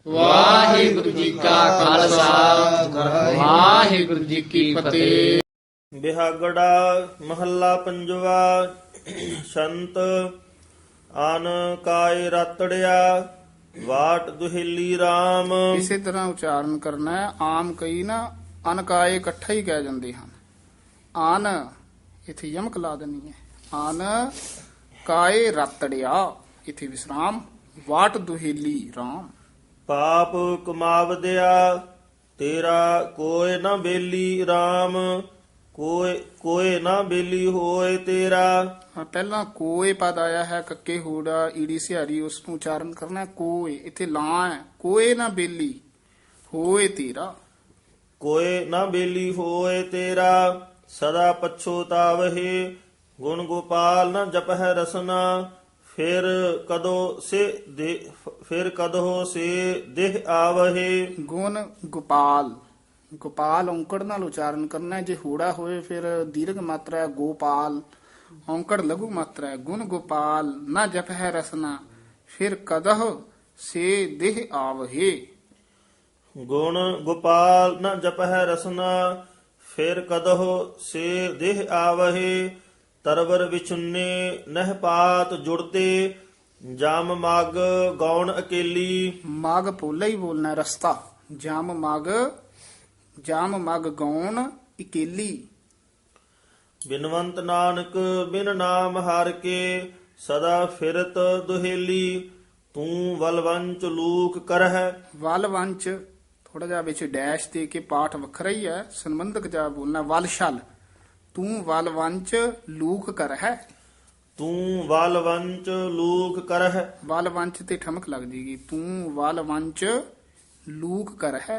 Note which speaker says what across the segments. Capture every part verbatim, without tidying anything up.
Speaker 1: ਵਾਹਿਗੁਰੂ ਜੀ ਕਾ ਖਾਲਸਾ ਵਾਹਿਗੁਰੂ ਜੀ ਕੀ ਫਤਿਹ।
Speaker 2: ਬਿਹਾਗੜਾ ਮਹੱਲਾ ਪੰਜਵਾ। ਸੰਤ ਆਨ ਕਾਇ ਰਤੜਿਆ ਵਾਟ ਦੁਹੇਲੀ RAM।
Speaker 3: ਇਸੇ ਤਰ੍ਹਾਂ ਉਚਾਰਨ ਕਰਨਾ ਹੈ। ਆਮ ਕਈ ਨਾ ਅਨਕਾਏ ਇਕੱਠਾ ਹੀ ਕਹਿ ਜਾਂਦੇ ਹਨ। ਆਨ ਇਥੇ ਯਮਕ ਲਾ ਦੇਣੀ ਹੈ। ਆਨ ਕਾਏ ਰਤੜਿਆ ਇਥੇ ਵਿਸਰਾਮ। ਵਾਟ ਦੁਹੇਲੀ RAM।
Speaker 2: ਪਾਪ ਕਮਾਵਦਿਆ ਤੇਰਾ ਕੋਇ ਨਾ ਬੇਲੀ RAM। ਕੋਇ ਕੋਇ ਨਾ ਬੇਲੀ ਹੋਏ ਤੇਰਾ।
Speaker 3: ਹਾਂ, ਪਹਿਲਾਂ ਕੋਏ ਪਦ ਆਇਆ ਹੈ ਕੱਕੇ ਹੂੜਾ ਈੜੀ ਸਿਹਾਰੀ, ਉਸ ਨੂੰ ਉਚਾਰਨ ਕਰਨਾ ਹੈ ਕੋਏ। ਇਥੇ ਲਾਂ ਹੈ। ਕੋਏ ਨਾ ਬੇਲੀ ਹੋਏ ਤੇਰਾ।
Speaker 2: ਕੋਇ ਨਾ ਬੇਲੀ ਹੋਏ ਤੇਰਾ। ਸਦਾ ਪਛੋਤਾਵਹਿ ਗੁਣ ਗੋਪਾਲ ਨਾ ਜਪਹਿ ਰਸਨਾ। ਫਿਰ ਕਦੋ ਸੇ ਦੇ ਫਿਰ ਕਦੋ ਸੇ ਦੇਹ ਆਵਹਿ।
Speaker 3: ਗੁਣ ਗੋਪਾਲ। ਗੋਪਾਲ ਔਂਕੜ ਨਾਲ ਉਚਾਰਨ ਕਰਨਾ ਹੈ। ਜੇ ਹੂੜਾ ਹੋਏ ਫਿਰ ਦੀਰਘ ਮਾਤਰਾ ਹੈ ਗੋਪਾਲ। ਔਂਕੜ ਲਘੂ ਮਾਤਰਾ ਹੈ। ਗੁਣ ਗੋਪਾਲ ਨਾ ਜਪਹਿ ਰਸਨਾ। ਫਿਰ ਕਦਹ ਸੇ ਦੇਹ ਆਵਹੇ।
Speaker 2: ਗੁਣ ਗੋਪਾਲ ਨ ਜਪਹਿ ਰਸਨਾ। ਫਿਰ ਕਦਹੁ ਸੇ ਦੇਹ ਆਵਹਿ। ਤਰਵਰ ਵਿਚੁੰਨੇ ਨਹਿ ਪਾਤ ਜੁੜਤੇ। ਜਮ ਮਗ ਗੌਣ ਅਕੇਲੀ।
Speaker 3: ਮਗ ਪੋਲਾ ਹੀ ਬੋਲਣਾ ਹੈ, ਰਸਤਾ। ਜਮ ਮਗ ਜਮ ਮਗ ਗੌਣ ਇਕੇਲੀ।
Speaker 2: ਬਿਨਵੰਤ ਨਾਨਕ ਬਿਨ ਨਾਮ ਹਰ ਕੇ ਸਦਾ ਫਿਰਤ ਦੁਹੇਲੀ। ਤੂੰ ਵਲਵੰਚ ਲੂਕ ਕਰਹਿ।
Speaker 3: ਵਲ ਵੰਚ ਥੋੜਾ ਜਿਹਾ ਵਿੱਚ ਡੈਸ਼ ਦੇ ਕੇ ਪਾਠ ਵੱਖਰਾ ਹੀ ਹੈ, ਸੰਬੰਧਕ ਜਾ ਬੋਲਣਾ। ਵਲ ਛਲ ਤੂੰ ਵਲ ਵੰਚ ਲੂਕ ਕਰ ਹੈ।
Speaker 2: ਤੂੰ ਵਲਵੰਚ ਲੂਕ ਕਰਹਿ।
Speaker 3: ਵਲ ਵੰਚ ਤੇ ਠਮਕ ਲੱਗ ਜੇਗੀ। ਤੂੰ ਵਲ ਵੰਚ ਲੂਕ ਕਰ ਹੈ।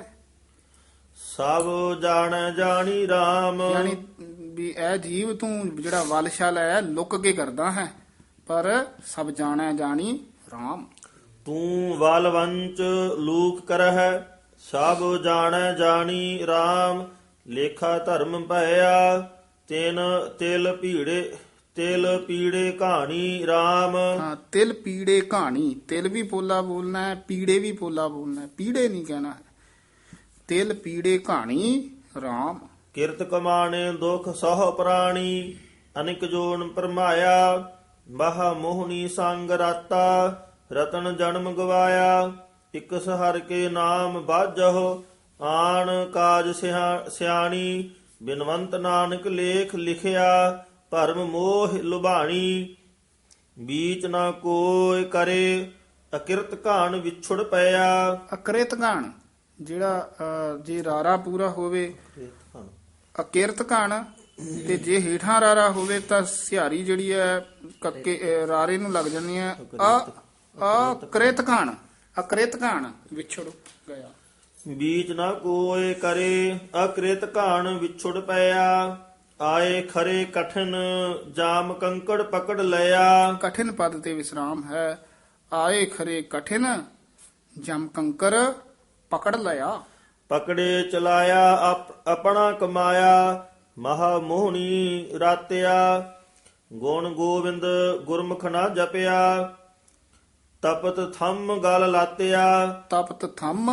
Speaker 2: ਸਭ ਜਾਣੈ ਜਾਣੀ RAM।
Speaker 3: ਯਾਨੀ ਵੀ ਇਹ ਜੀਵ ਤੂੰ ਜਿਹੜਾ ਵਲ ਛਲ ਹੈ ਲੁੱਕ ਕੇ ਕਰਦਾ ਹੈ, ਪਰ ਸਭ ਜਾਣੈ ਜਾਣੀ RAM।
Speaker 2: ਤੂੰ ਵਲਵੰਚ ਲੂਕ ਕਰਹਿ। ਸਭ ਜਾਣੈ ਜਾਣੀ RAM। ਲੇਖਾ ਧਰਮ ਭਇਆ ਤਿਨ ਤਿਲ ਪੀੜੇ ਤਿਲ ਪੀੜੇ ਕਹਾਣੀ RAM।
Speaker 3: ਹਾਂ, ਤਿਲ ਪੀੜੇ ਕਹਾਣੀ। ਤਿਲ ਵੀ ਪੋਲਾ ਬੋਲਣਾ ਹੈ, ਪੀੜੇ ਵੀ ਪੋਲਾ ਬੋਲਣਾ ਹੈ, ਪੀੜੇ ਨਹੀਂ ਕਹਿਣਾ ਹੈ। ਤਿਲ ਪੀੜੇ ਕਹਾਣੀ RAM।
Speaker 2: ਕਿਰਤ ਕਮਾਣੇ ਦੁਖ ਸਹ ਪ੍ਰਾਣੀ। ਅਨਿਕ ਜੋਨ ਪਰਮਾਇਆ ਬਾਹ ਮੋਹਣੀ ਸੰਗ ਰਾਤਾ। ਰਤਨ ਜਨਮ ਗਵਾਇਆ ਇਕ ਸਹਰ ਕੇ ਨਾਮ ਬਾਜਹੁ। ਆਣ ਕਾਜ ਸਿਆ- ਸਿਆਣੀ ਬਿਨਵੰਤ ਨਾਨਕ ਲੇਖ ਲਿਖਿਆ। ਭਰਮ ਮੋਹ ਲੁਭਾਣੀ ਬੀਚ ਨਾ ਕੋਇ ਕਰੇ। ਅਕਿਰਤ ਘਾਣ ਵਿਛੁੜ ਪਿਆ।
Speaker 3: ਅਕ੍ਰਿਤ ਗਾਣ ਜਿਹੜਾ ਅਹ, ਜੇ ਰਾਰਾ ਪੂਰਾ ਹੋਵੇ ਅਕਿਰਤ ਘਣ, ਤੇ ਜੇ ਹੇਠਾਂ ਰਾਰਾ ਹੋਵੇ ਤਾਂ ਸਿਹਾਰੀ ਜਿਹੜੀ ਹੈ ਕੱਕੇ ਅਹ, ਰਾਰੇ ਨੂੰ ਲੱਗ ਜਾਂਦੀ ਹੈ ਅ ਅਕ੍ਰਿਤ ਘਣ। ਅਕ੍ਰਿਤ ਘਣ ਵਿਛੜ ਗਿਆ।
Speaker 2: ਬੀਚ ਨਾ ਕੋਇ ਕਰੇ। ਅਕ੍ਰਿਤ ਘਾਣ ਵਿਛੁੜ ਪਿਆ। ਆਏ ਖਰੇ ਕਠਨ ਜਾਮ ਕੰਕੜ ਪਕੜ ਲਿਆ।
Speaker 3: ਕਠਿਨ ਪਦ ਤੇ ਵਿਸਰਾਮ ਹੈ। ਆਏ ਖਰੇ ਕਠਿਨ ਜਮ ਕੰਕਰ ਪਕੜ ਲਿਆ।
Speaker 2: ਪਕੜੇ ਚਲਾਇਆ ਆਪ- ਆਪਣਾ ਕਮਾਇਆ। ਮਹਾ ਮੋਹਣੀ ਰਾਤਿਆ ਗੁਣ ਗੋਬਿੰਦ ਗੁਰਮੁਖ ਨਾ ਜਪਿਆ। ਤਪਤ ਥੰਮ ਗਲ ਲਾਤਿਆ।
Speaker 3: ਤਪਤ ਥੰਮ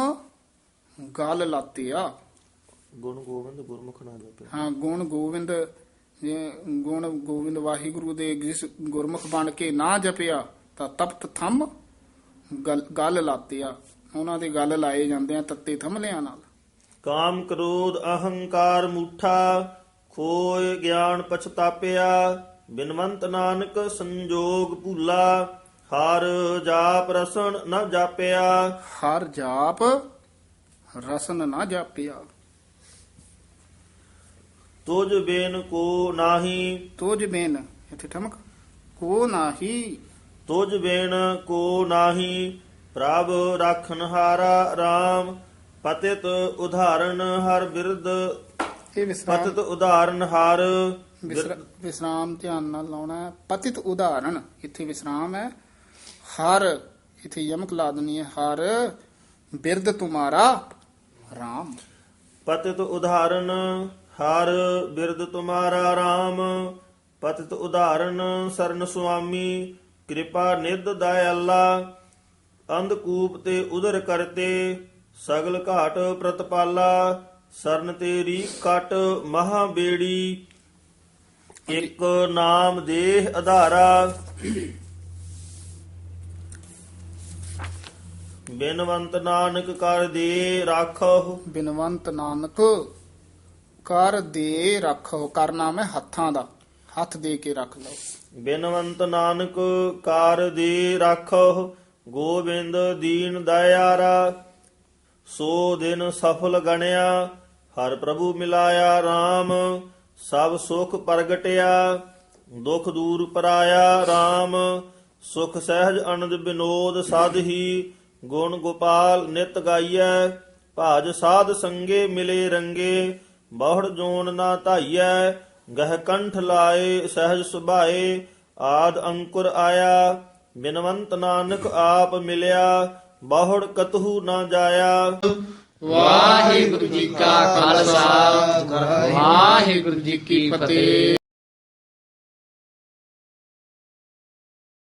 Speaker 3: ਗਲ ਲਾਤਿਆ।
Speaker 2: ਗੁਣ ਗੋਬਿੰਦ ਗੁਰਮੁਖ ਨਾ ਜਪਿਆ।
Speaker 3: ਹਾਂ, ਗੁਣ ਗੋਬਿੰਦ ਜੇ ਗੁਣ ਗੋਬਿੰਦ ਵਾਹਿਗੁਰੂ ਦੇ ਜਿਸ ਗੁਰਮੁਖ ਬਣ ਕੇ ਨਾ ਜਪਿਆ ਤਾਂ ਤਪਤ ਥੰਮ ਗਲ ਗਲ ਲਾਤਿਆ। ਉਹਨਾਂ ਦੇ ਗਲ ਲਾਏ ਜਾਂਦੇ ਆ ਤੱਤੇ ਥੰਮਲਿਆਂ ਨਾਲ।
Speaker 2: ਕਾਮ ਕ੍ਰੋਧ ਅਹੰਕਾਰ ਮੂਠਾ ਖੋਏ ਗਿਆਨ ਪਛਤਾਪਿਆ। ਬਿਨਵੰਤ ਨਾਨਕ ਸੰਜੋਗ ਭੂਲਾ ਹਰ ਜਾਪ ਰਸਨ ਨਾ ਜਾਪਿਆ।
Speaker 3: ਹਰ ਜਾਪ ਰਸਨ ਨਾ ਜਾਪਿਆ।
Speaker 2: ਤੁਜ ਬੇਨ ਕੋ ਨਾਹੀ।
Speaker 3: ਤੋਜ ਬੇਨ ਇੱਥੇ ਠਮਕ ਕੋ ਨਾਹੀ।
Speaker 2: ਤੁਜ ਬੇਨ ਕੋ ਨਾਹੀ ਪ੍ਰਭ ਰਾਖਨ ਹਾਰਾ RAM। ਪਤਿਤ ਉਦਾਹਰਨ ਹਰ ਬਿਰਦ।
Speaker 3: ਇਹ ਵਿਸਰਾਮ
Speaker 2: ਪਤਿਤ ਉਦਾਹਰਨ ਹਰ
Speaker 3: ਵਿਸਰਾ- ਵਿਸਰਾਮ ਧਿਆਨ ਨਾਲ ਲਾਉਣਾ ਹੈ। ਪਤਿਤ ਉਦਾਹਰਣ ਇੱਥੇ ਵਿਸਰਾਮ ਹੈ। ਹਰ ਇੱਥੇ ਯਮਕ ਲਾ ਦੇਣੀ ਹੈ। ਹਰ ਬਿਰਦ ਤੁਮਾਰਾ RAM।
Speaker 2: ਪਤਿਤ ਉਦਾਹਰਨ ਹਰ ਬਿਰਦ ਤੁਮਾਰਾ RAM। ਪਤਿਤ ਉਦਾਹਰਨ ਸਰਨ ਸੁਆਮੀ ਕਿਰਪਾ ਨਿਧ ਦਇਆਲਾ। ਅੰਧਕੂਪ ਤੇ ਉਦਰ ਕਰਤੇ ਸਗਲ ਘਾਟ ਪ੍ਰਤਪਾਲਾ ਸਰਨ ਤੇਰੀ ਕਟ ਮਹਾ ਬੇੜੀ ਇੱਕ ਨਾਮ ਦੇਹ ਆਧਾਰਾ ਬਿਨਵੰਤ ਨਾਨਕ ਕਰ ਦੇ ਰਾਖੋ
Speaker 3: ਬਿਨਵੰਤ ਨਾਨਕ ਕਰ ਦੇ ਰੱਖੋ। ਕਰ ਨਾਮ ਹੈ ਹੱਥਾਂ ਦਾ, ਹੱਥ ਦੇ ਕੇ ਰੱਖ ਲਓ।
Speaker 2: ਬਿਨਵੰਤ ਨਾਨਕ ਕਾਰ ਦੇ ਰਾਖੋ ਗੋਬਿੰਦ ਦੀਨ ਦਇਆਰਾ ਸੋ ਦਿਨ ਸਫਲ ਗਣਿਆ ਹਰ ਪ੍ਰਭੂ ਮਿਲਾਇਆ RAM ਸਭ ਸੁਖ ਪ੍ਰਗਟਿਆ ਦੁਖ ਦੂਰ ਪਰਾਇਆ RAM ਸੁਖ ਸਹਿਜ ਅਨੰਦ ਬਿਨੋਦ ਸਾਧਹੀ ਗੁਣ ਗੋਪਾਲ ਨਿਤ ਗਾਈਐ ਭਾਜ ਸਾਧ ਸੰਗੇ ਮਿਲੇ ਰੰਗੇ ਬਹੁੜ ਜੋਨ ਨਾ ਧਾਈਐ ਗਹਿ ਕੰਠ ਲਾਏ ਸਹਿਜ ਸੁਭਾਏ ਆਦ ਅੰਕੁਰ ਆਇਆ ਬਿਨਵੰਤ ਨਾਨਕ ਆਪ ਮਿਲਿਆ ਬਹੁੜ ਕਤਹੂ ਨਾ ਜਾਇਆ।
Speaker 1: ਵਾਹਿਗੁਰੂ ਜੀ ਕਾ ਖਾਲਸਾ ਵਾਹਿਗੁਰੂ ਜੀ ਕੀ ਫਤਿਹ।